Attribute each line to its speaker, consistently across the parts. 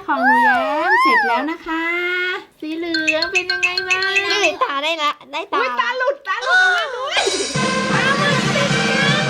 Speaker 1: ของหนูแย้มเสร็จแล้วนะคะ สีเหลืองเป็นยังไงบ้าง
Speaker 2: ได้ตาได้ละได้ตา
Speaker 1: ตาหลุดออกมาด้วยปลาหมึกติดกัน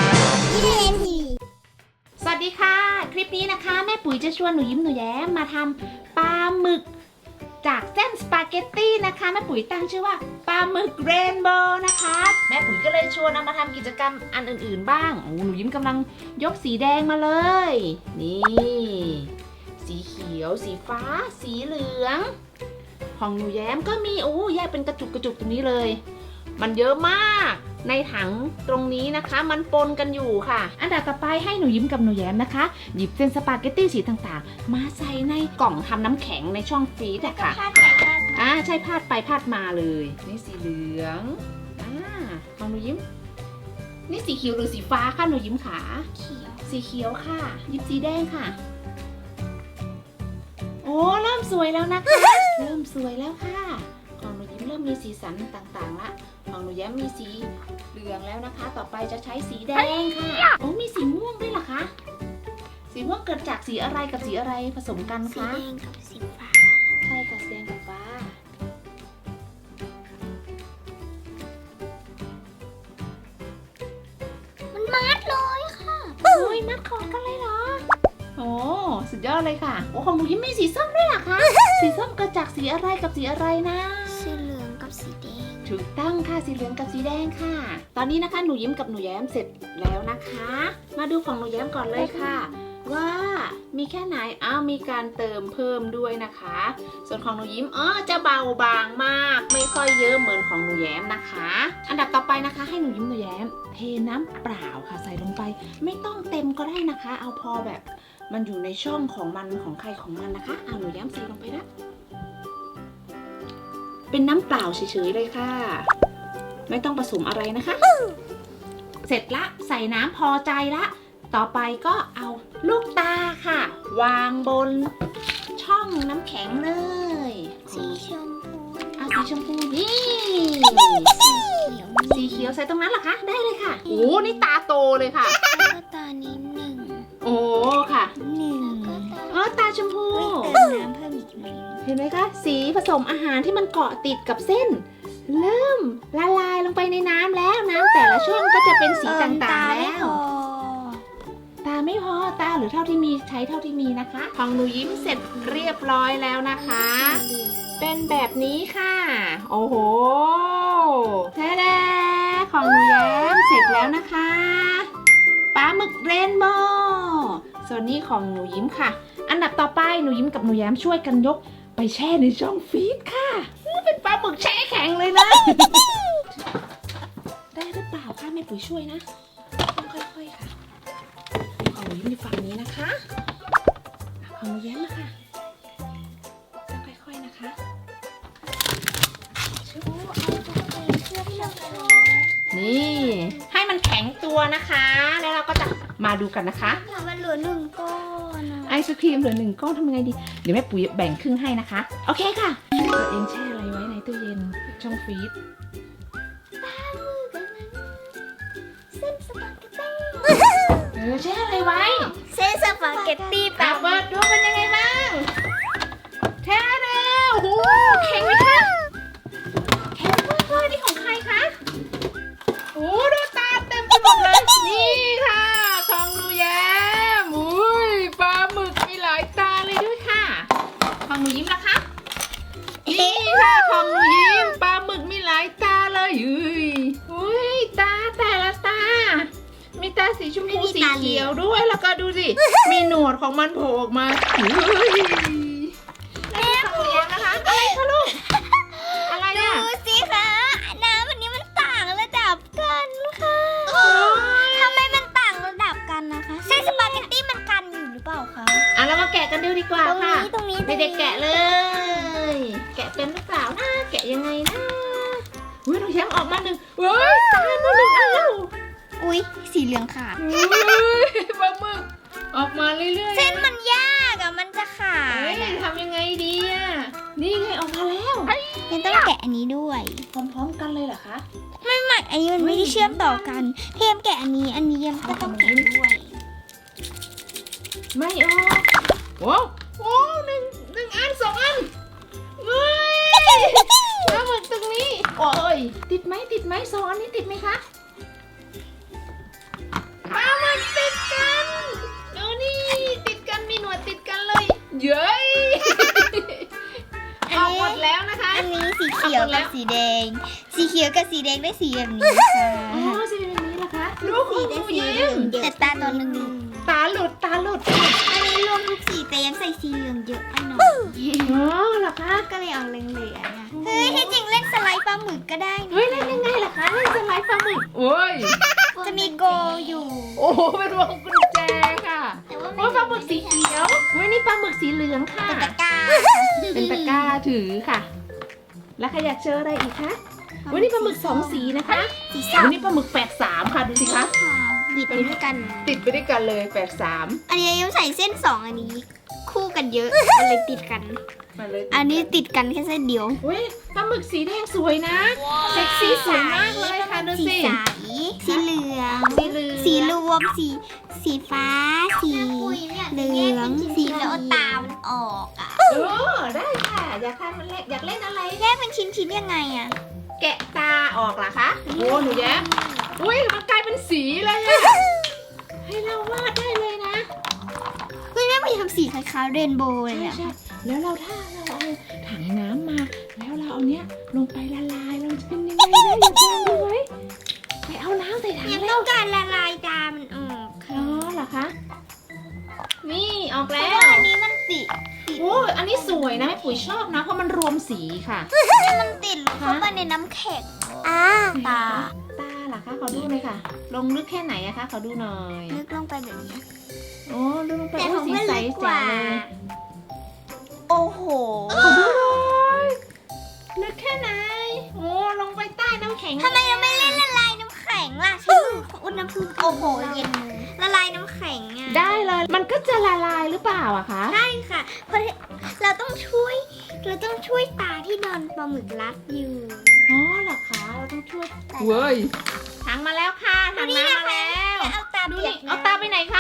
Speaker 1: สวัสดีค่ะ คลิปนี้นะคะแม่ปุ๋ยจะชวนหนูยิ้มหนูแย้มมาทำปลาหมึกจากเส้นสปาเกตตี้นะคะแม่ปุ๋ยตั้งชื่อว่าปลาหมึกเรนโบว์นะคะแม่ปุ๋ยก็เลยชวนเอามาทำกิจกรรมอันอื่นๆบ้างโอ้หนูยิ้มกำลังยกสีแดงมาเลยนี่สีเขียวสีฟ้าสีเหลืองของหนูแย้มก็มีแยกเป็นกระจุกตรงนี้เลยมันเยอะมากในถังตรงนี้นะคะมันปนกันอยู่ค่ะอันดับต่อไปให้หนูยิ้มกับหนูแย้มนะคะหยิบเส้นสปาเกตตี้สีต่างๆมาใส่ในกล่องทำน้ำแข็งในช่องฟรีซอะค่ะใช่พาดไปพาดมาเลยนี่สีเหลืองของหนูยิ้มนี่สีเขียวหรือสีฟ้าค่ะหนูยิ้มขาสีเขียวค่ะหยิบสีแดงค่ะโอ้เริ่มสวยแล้วนะคะ เริ่มสวยแล้วค่ะของหนูยิ้มเริ่มมีสีสันต่างๆละของหนูแย้มมีสีเหลืองแล้วนะคะต่อไปจะใช้สีแดงค่ะโอ้มีสีม่วงด้วยเหรอคะสีม่วงเกิดจากสีอะไรกับสีอะไรผสมกันคะ
Speaker 2: สีแดงกับสีฟ้า
Speaker 1: ใช่ค่ะสีแดงกับฟ้า
Speaker 2: มันมัดเลยค่ะ
Speaker 1: โอ้ยมัดคอกันเลยเหรอโอ้สุดยอดเลยค่ะโอ้ของหนูยิ้มมีสีส้มด้วยเหรอคะ สีส้มเกิดจากสีอะไรกับสีอะไรนะ
Speaker 2: สีเหลืองกับสีแดง
Speaker 1: ถูกต้องค่ะสีเหลืองกับสีแดงค่ะตอนนี้นะคะหนูยิ้มกับหนูแย้มเสร็จแล้วนะคะ มาดูของหนูแย้มก่อนเลยค่ะ ว่ามีแค่ไหนมีการเติมเพิ่มด้วยนะคะ ส่วนของหนูยิ้มจะเบาบางมากไม่ค่อยเยอะเหมือนของหนูแย้มนะคะ อันดับต่อไปนะคะให้หนูยิ้มหนูแย้มเทน้ำเปล่าค่ะใส่ลงไปไม่ต้องเต็มก็ได้นะคะ เอาพอแบบมันอยู่ในช่องของมันของใครของมันนะคะหนูแย้มใส่ลงไปนะเป็นน้ำเปล่าเฉยๆเลยค่ะไม่ต้องผสมอะไรนะคะ เสร็จละใส่น้ำพอใจละต่อไปก็เอาลูกตาค่ะวางบนช่องน้ำแข็งเลย
Speaker 2: สีชมพู
Speaker 1: สีชมพูนี่
Speaker 2: สีเขียว
Speaker 1: สีเขียวใส่ตรงนั้นเหรอคะได้เลยค่ะโอ้นี่ตาโตเลยค่ะ
Speaker 2: แล้วก็ตานี้หนึ่ง
Speaker 1: โอ้ค่ะ
Speaker 2: หนึ่ง
Speaker 1: ตาชมพู
Speaker 2: เติมน้ำเพิ่มอีกหน่อย
Speaker 1: เห็นไหมคะสีผสมอาหารที่มันเกาะติดกับเส้น เริ่มละลายลงไปในน้ำแล้วน้ำแต่ละช่วงก็จะเป็นสีต่างๆแล้วตาไม่พอตาหรือเท่าที่มีใช้เท่าที่มีนะคะของหนูยิ้มเสร็จเรียบร้อยแล้วนะคะ เป็นแบบนี้ค่ะโอ้โหแท้ๆของหนูแย้มเสร็จแล้วนะคะปลาหมึกเรนโบว์ส่วนนี้ของหนูยิ้มค่ะอันดับต่อไปหนูยิ้มกับหนูแย้มช่วยกันยกไปแช่ในช่องฟรีซค่ะเป็นปลาหมึกแช่แข็งเลยนะ ได้หรือเปล่าคะแม่ปุ๋ยช่วยนะต้องค่อยๆค่ะของหนูยิ้มอยู่ฝั่งนี้นะคะของหนูแย้มนะคะต้องค่อยๆนะคะนี่ให้มันแข็งตัวนะคะแล้วเราก็จะมาดูกันนะคะ
Speaker 2: มันเหลือหนึ่งก้อน
Speaker 1: ไอศครีมเหลือ1 ก้อนทำยังไงดีเดี๋ยวแม่ปุ๋ยแบ่งครึ่งให้นะคะโอเคค่ะตัวเองแช่อะไรไว้ในตู้เย็นช่องฟรีซ
Speaker 2: เส้นสปาเกตตี้
Speaker 1: แช่อะไรไว้
Speaker 2: เส้นสปาเกตตี้แบ
Speaker 1: เปิดดูเป็นยังไงบ้างแช่แล้วโอ้โหแข็งไหมคะแข็งมากเลยนี่ของใครคะโอ้ดูตาเต็มไปหมดเลยนี่ค่ะของหนูแย้มอุ้ยปลาหมึกมีหลายตาเลยด้วยค่ะของหนูยิ้มนะคะนี่ค่ะของหนูยิ้มปลาหมึกมีหลายตาเลยอุ้ยตาแต่ละตามีตาสีชมพูสีเขียวด้วยแล้วก็ดูสิมีหนวดของมันโผล่ออกมาแล้วของหนูแย้มนะคะอะไรคะลูกอะไร
Speaker 2: ดู
Speaker 1: อ่ะ
Speaker 2: สิคะน้ำอันนี้มันต่างระดับกันค่ะทำไมมันต่างระดับกันนะคะเส้นสปาเกตตี้มันกันอยู่หรือเปล่าคะ
Speaker 1: เรามาแกะกันดูดีกว่าค่ะ
Speaker 2: ตรงนี้
Speaker 1: เด็กๆแกะเลย แกะเป็นหรือเปล่านะแกะยังไงนะอุ้ยหนูแย้มออกมาหนึ่งเว้ยตายมาหนึ่งอันแล้ว
Speaker 2: อุ๊ยสีเหลืองขาด
Speaker 1: ปลาหมึกออกมาเรื่อยๆ
Speaker 2: เส้นมันยากอะมันจะขาดอะ
Speaker 1: ทำยังไงดีอ่ะนี่ไงออกมาแล้ว
Speaker 2: ยังต้องแกะอันนี้ด้วย
Speaker 1: พร้อมๆกันเลยเหรอคะ
Speaker 2: ไม่อันนี้มันไม่ได้เชื่อมต่อกันเทมแกะอันนี้ยังก็ต้องแกะด้วย
Speaker 1: ไม่ออกโอ้ในสองอันนี้ติดไหมคะปลาหมึกติดกันดูนี่ติดกันมีหนวดติดกันเลยเย้ยออกหมดแล้วนะคะ
Speaker 2: อันนี้สีเขียวกับสีแดง สีเขียวกับสีแดงได้สีแบบนี้ค่ะ
Speaker 1: อ๋อสีเป็นแบบนี้เหรอคะลูก
Speaker 2: สีได้สีเหลืองแต่ตาตอนนึง
Speaker 1: ตาหลุด
Speaker 2: อันนี้รวมทุกสีแต่ยังใส่สีเหลืองเยอะไปหน่อย
Speaker 1: อ๋อเหรอคะ
Speaker 2: ก็เลยเอาเหลืองๆเฮ้ยที่จริงเล่นสไลด์ปลาหมึกก็ได้นะ
Speaker 1: เฮ้ยเล่นยังไงล่ะคะเล่นสไลด์ปลาหมึกโอ้ย
Speaker 2: จะมีโกอยู่
Speaker 1: โอ้โหเป็นวงกุญแจค่ะ
Speaker 2: แต่ว่า
Speaker 1: โอ้ยปลาหมึกสีเขียวเฮ้ยนี่ปลาหมึกสีเหลืองค่ะ
Speaker 2: เป็นตะกร้า
Speaker 1: เป็นตะกร้าถือค่ะ แล้วใครอยากเจออะไรอีกคะวันนี้ปลาหมึก2 สีนะคะ
Speaker 2: สี
Speaker 1: วันนี้ปลาหมึก8 3ค่ะดูสิคะ
Speaker 2: บิดไปด้วยกัน
Speaker 1: ติดไปด้วยกันเลย8 3
Speaker 2: อันนี้ยังใส่เส้น2อันนี้ คู่กันเยอะมันเลยติดกัน
Speaker 1: มาเลย
Speaker 2: อันนี้ติดกันแค่เส้นเดียว
Speaker 1: เฮ้ยปลาหมึกสีแดงสวยนะเซ็กซี่สวยมากเลยค่ะดู
Speaker 2: สี
Speaker 1: สิ
Speaker 2: ใสสีเหลือง
Speaker 1: สีเหลือง
Speaker 2: สีรวมสีฟ้า สีเหลืองสีแล้วเอาตามันออกอ่ะ
Speaker 1: ได้ค่ะอยากทำอะไรอยากเล่นอะไร
Speaker 2: แยกเป็นชิ้นๆยังไงอ่ะ
Speaker 1: แกะตาออกเหรอคะโอ้หนูแย้มอุ้ยมันกลายเป็นสีเลยอะให้เราวาดได้เลยนะ
Speaker 2: เฮ้ยแม่ไปทำสีคล้ายๆเรนโบว์เลยอ่ะ
Speaker 1: ใช่แล้วถ้าเราเอาถังน้ำมา แล้วเราเอาเนี้ยลงไปละลายเราจะเป็นยังไงได้อยากลองดูไหมไปเอาน้ำใส่ถัง
Speaker 2: ยัง
Speaker 1: แล้
Speaker 2: ต้
Speaker 1: ว
Speaker 2: องการละลายตามันออก
Speaker 1: อ๋อเหรอคะนี่ออก
Speaker 2: เพ
Speaker 1: แล้
Speaker 2: ราะ
Speaker 1: ว
Speaker 2: ว่าอันนี้มันติด
Speaker 1: โอ้อันนี้สวยนะแม่ปุ๋ยชอบนะเพราะมันรวมสีค่ะ
Speaker 2: มันติดเข้าไปในน้ำแข็งตา
Speaker 1: ตาเหรอคะขอดูหน่อยค่ะ ลงลึกแค่ไหนอะคะขอดูหน่อย
Speaker 2: ลึกลงไปแบบนี้
Speaker 1: โอ้ลึกลงไป
Speaker 2: แต่
Speaker 1: โอ้
Speaker 2: ของ
Speaker 1: สี
Speaker 2: เพื่อน
Speaker 1: ใส
Speaker 2: ลึกก
Speaker 1: แจ๋
Speaker 2: ว่า
Speaker 1: วเลย
Speaker 2: โอ้โห
Speaker 1: ขอดูหน่อยลึกแค่ไหนโอ้ลงไปใต้น้ำแข็ง
Speaker 2: ทำไมเราไม่เล่นละลายน้ำแข็งล่ะใช่อุณหภูมิโอ้โหเย็นละลายน้ำแข็งอ่ะ
Speaker 1: ได้เลยมันก็จะละลายหรือเปล่าอะคะ
Speaker 2: ใช่ค่ะเพราะเราต้องช่วยตาที่นอนปลาหมึกรัดอยู่
Speaker 1: อ๋อเหรอคะเราต้องช่วยเว้ยถังมาแล้วค่ะถังน้ำมาแล้ว
Speaker 2: เอาตา
Speaker 1: ดู
Speaker 2: เปีย
Speaker 1: นี่
Speaker 2: ก
Speaker 1: เอาตาไปไหนคะ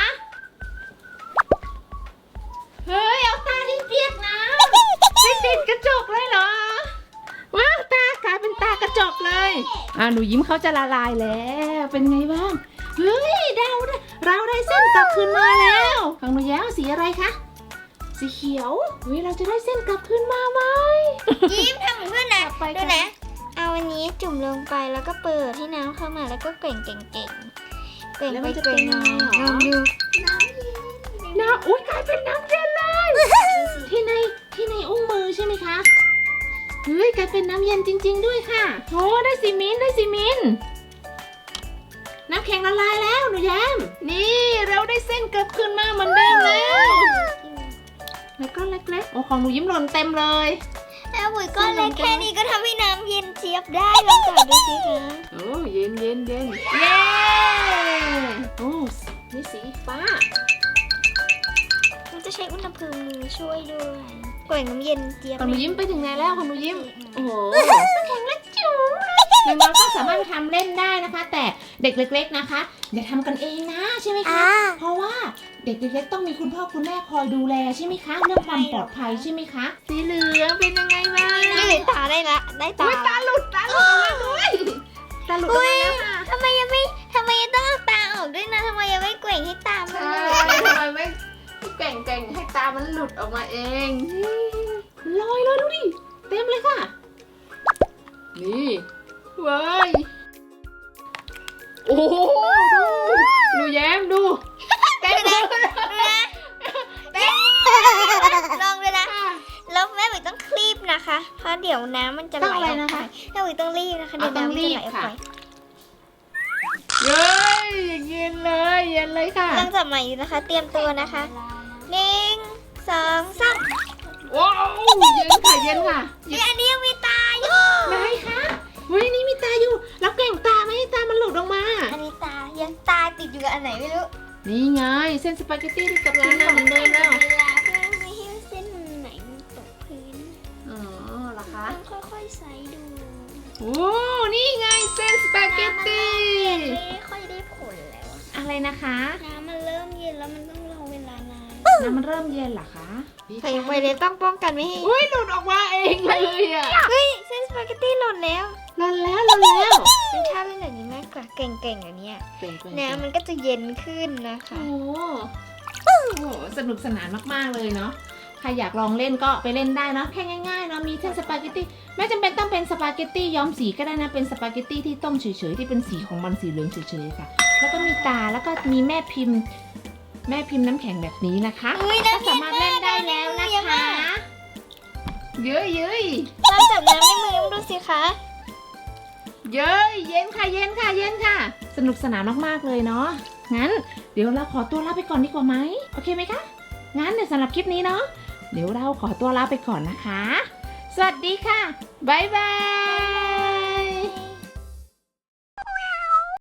Speaker 1: เฮ้ยเอาตาที่เปียกน้ำไม่ติดกระจกเลยเหรอว้าวตากลายเป็นตากระจกเลยหนูยิ้มเขาจะละลายแล้วเป็นไงบ้างเฮ้ยเราได้เส้นกลับคืนมาแล้วของหนูแย้วสีอะไรคะสีเขียวเฮ้ยเราจะได้เส้นกลับคืนมาไหม
Speaker 2: ยิ้มทำเหมือนเพื่อนนะ
Speaker 1: กลับไป
Speaker 2: ดูนะเอาอันนี้จุ่มลงไปแล้วก็เปิดให้น้ำเข้ามาแล้วก็เกร่งเก่งๆเกร่ง
Speaker 1: แล้ว
Speaker 2: ไป
Speaker 1: มันจะ
Speaker 2: เกร่
Speaker 1: เป็น
Speaker 2: ง
Speaker 1: ยัง
Speaker 2: มา
Speaker 1: ไงหร
Speaker 2: ล
Speaker 1: อ
Speaker 2: องดู
Speaker 1: น้ำอุ้ยกลายเป็นน้ำเย็นเลยที่ในอุ้งมือใช่ไหมคะเฮ้ยกลายเป็นน้ำเย็นจริง ๆ ด้วยค่ะโอ้ได้ซีมินต์น้ำแข็งละลายแล้วหนูแย้มนี่เราได้เส้นกลับคืนมาเหมือนเดิมแล้วก็เล็กๆโอ้ของหนูยิ้มหล่นเต็มเลย
Speaker 2: แล้วปุ๋ยก็เล็กแค่นี้ก็ทำให้น้ำเย็นเจี๊ยบได้ลองจับดูสิคะ
Speaker 1: โอ้เย็นเย้โอ้นี่สีฟ้า
Speaker 2: มันจะใช้อุณหภูมิมือช่วยด้วยเกร่งน้ำเย็นเจี๊ยบ
Speaker 1: ของหนูยิ้มไปถึงไหนแล้วของหนูยิ้มโอ้โหน้ำแข็งเล็กจิ๋วน้องๆก็สามารถไปทำเล่นได้นะคะ แต่เด็กเล็กๆนะคะอย่าทำกันเองนะใช่ไหมคะเพราะว่าเด็กเล็กๆต้องมีคุณพ่อคุณแม่คอยดูแลใช่ไหมคะเรื่องความปลอดภัยใช่ไหมคะสีเหลืองเป็นยังไงบ้าง
Speaker 2: นี่ตาได้ละได้ตา
Speaker 1: อุ๊ยตาหลุดออกมาด้วยตาหลุดออกมาแล้วค่ะ
Speaker 2: ทำไมยังต้องเอาตาออกด้วยนะทำไมยังไม่เกร่งให้ตามัน
Speaker 1: ใช่
Speaker 2: หลุด
Speaker 1: ทำไมไม่แกว่งให้ตามันหลุดออกมาเองลอยเลยดูดิเต็มเลยค่ะนี่เว้ยโอ้โหดูแย้มดูเต็มเลย
Speaker 2: ลองเลยนะแล้วแม่ปุ๋ยต้องคลีบนะคะเพราะเดี๋ยวน้ำมันจะไหล
Speaker 1: ต้องอะไรนะคะ
Speaker 2: แม่ปุ๋ยต้องรีบนะคะเดี๋ยว
Speaker 1: ต้อง
Speaker 2: น้ำมัน
Speaker 1: รี
Speaker 2: จะ
Speaker 1: บ
Speaker 2: ไหลออก
Speaker 1: ค่ะ
Speaker 2: ไป
Speaker 1: เย้ยเย็นเลยค่ะ
Speaker 2: กำลังจับใหม่อยู่นะคะ เตรียมตัวนะคะ1 2 3
Speaker 1: ว้าวเย็นค่ะ
Speaker 2: นี่อันนี้ยังมีตาอยู่
Speaker 1: ไหนคะเฮ้ยนี่มีตาอยู่แล้วแกว่งตาไม่ให้ตามันหลุดออกมา
Speaker 2: อันนี้ตายังตาติดอยู่กับอันไหนไม่รู้
Speaker 1: นี่ไงเส้นสปาเกตตี้ที่กลับคืนมาเหมือนเดิมแล้ว
Speaker 2: เวลาเพื่อไม่ให้เส้นไหนมันตกพื้น
Speaker 1: อ๋อเหรอคะ
Speaker 2: ต้องค่อยๆใส่ดู
Speaker 1: โอ้นี่ไงเส้นสปาเกตตี้
Speaker 2: ไม่ค่อยได้ผลแล้วอะ
Speaker 1: อะไรนะคะ
Speaker 2: น้ำมันเริ่มเย็นแล้วมันต้องรอเวลานาน
Speaker 1: นน้ำมันเริ่มเย็นเหรอคะ
Speaker 2: ใส่ไปเลยต้องป้องกันไม่ให้
Speaker 1: อุ้ยหลุดออกมาเองเลยอ่ะ
Speaker 2: เฮ้ยเส้นสปาเกตตี้หล่นแล้ว
Speaker 1: หล่นแล้วหล่นแล้ว
Speaker 2: เป็นชาเล่นแบบนี้มากกว่าเก่งๆอันเนี้ย
Speaker 1: เก่งๆ
Speaker 2: น้ำมันก็จะเย็นขึ้นนะคะ
Speaker 1: โอ้โหสนุกสนานมากๆเลยเนาะ ใครอยากลองเล่นก็ไปเล่นได้เนาะแค่ง่ายๆเนาะมีเส้นสปาเกตตี้ไม่จำเป็นต้องเป็นสปาเกตตี้ย้อมสีก็ได้นะเป็นสปาเกตตี้ที่ต้มเฉยๆที่เป็นสีของมันสีเหลืองเฉยๆค่ะ แล้วก็มีตาแล้วก็มีแม่พิมพ์น้ำแข็งแบบนี้นะคะ
Speaker 2: อุ้ย
Speaker 1: ก็
Speaker 2: น้ำ
Speaker 1: สามารถเล่นได้แล้วนะคะเย้ยเย้ย
Speaker 2: น้ำจับน้ำในมือมาดูสิคะ
Speaker 1: เย้ยเย็นค่ะเย็นค่ะเย็นค่ะ สนุกสนานมากๆเลยเนาะงั้นเดี๋ยวเราขอตัวลาไปก่อนดีกว่าไหมโอเคไหมคะงั้นเดี๋ยวสำหรับคลิปนี้เนาะเดี๋ยวเราขอตัวลาไปก่อนนะคะ สวัสดีค่ะบ๊ายบาย